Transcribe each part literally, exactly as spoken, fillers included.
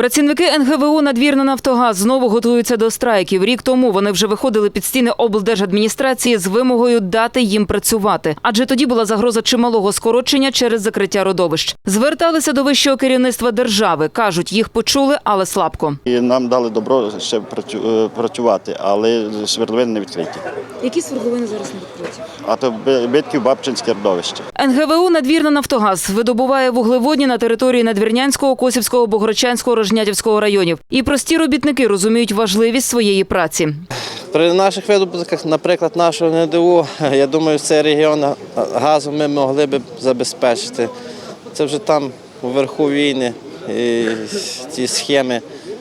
Працівники ен ге ве у «Надвірна-Нафтогаз» знову готуються до страйків. Рік тому вони вже виходили під стіни облдержадміністрації з вимогою дати їм працювати. Адже тоді була загроза чималого скорочення через закриття родовищ. Зверталися до вищого керівництва держави. Кажуть, їх почули, але слабко. І нам дали добро ще працювати, але свердловини не відкриті. Які свердловини зараз не відкриті? А то Битків, Бабчинське родовище. ен ге ве у «Надвірна-Нафтогаз» видобуває вуглеводні на території Надвірнянського, Косівського, Богородчанського, Рожнятівського районів. І прості робітники розуміють важливість своєї праці. При наших видобутках, наприклад, нашого ен де у, я думаю, цей регіон газу ми могли б забезпечити. Це вже там вверху війни, і ті схеми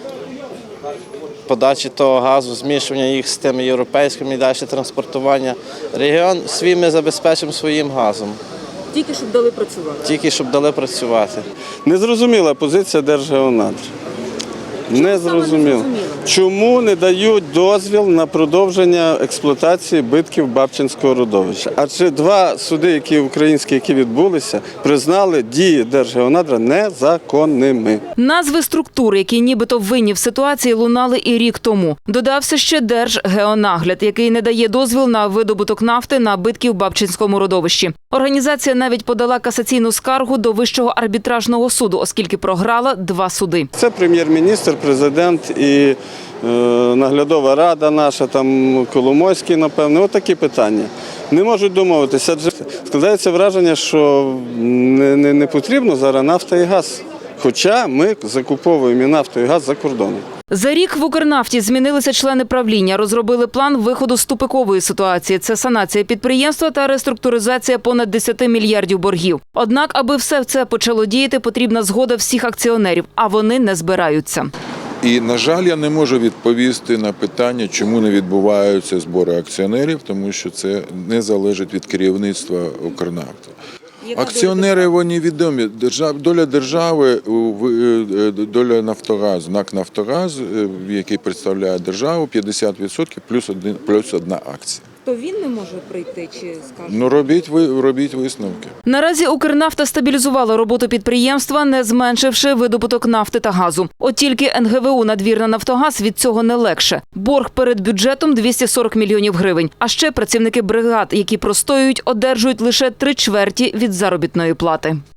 подачі того газу, змішування їх з тими європейськими і далі транспортування. Регіон свій ми забезпечимо своїм газом. Тільки щоб дали працювати. Тільки щоб дали працювати. Незрозуміла позиція Держгеонадр. Не зрозуміло. Чому не дають дозвіл на продовження експлуатації Битків Бабчинського родовища? Адже два суди, які українські, які відбулися, признали дії Держгеонадра незаконними. Назви структур, які нібито винні в ситуації, лунали і рік тому. Додався ще Держгеонагляд, який не дає дозвіл на видобуток нафти на Битків Бабчинському родовищі. Організація навіть подала касаційну скаргу до Вищого арбітражного суду, оскільки програла два суди. Це прем'єр-міністр, президент і е, наглядова рада наша, там Коломойський, напевно, отакі питання. Не можуть домовитися, адже складається враження, що не, не, не потрібно зараз нафта і газ. Хоча ми закуповуємо і нафту, і газ за кордоном. За рік в «Укрнафті» змінилися члени правління, розробили план виходу з тупикової ситуації. Це санація підприємства та реструктуризація понад десяти мільярдів боргів. Однак, аби все це почало діяти, потрібна згода всіх акціонерів, а вони не збираються. І, на жаль, я не можу відповісти на питання, чому не відбуваються збори акціонерів, тому що це не залежить від керівництва «Укрнафти». Акціонери, вони відомі. Доля держави, доля «Нафтогазу», НАК «Нафтогаз», який представляє державу, п'ятдесят відсотків плюс, один, плюс одна акція. То він не може прийти чи скаже? Ну, робіть, ви, робіть висновки. Наразі «Укрнафта» стабілізувала роботу підприємства, не зменшивши видобуток нафти та газу. От тільки ен ге ве у «Надвірна-Нафтогаз» від цього не легше. Борг перед бюджетом – двісті сорок мільйонів гривень. А ще працівники бригад, які простоюють, одержують лише три чверті від заробітної плати.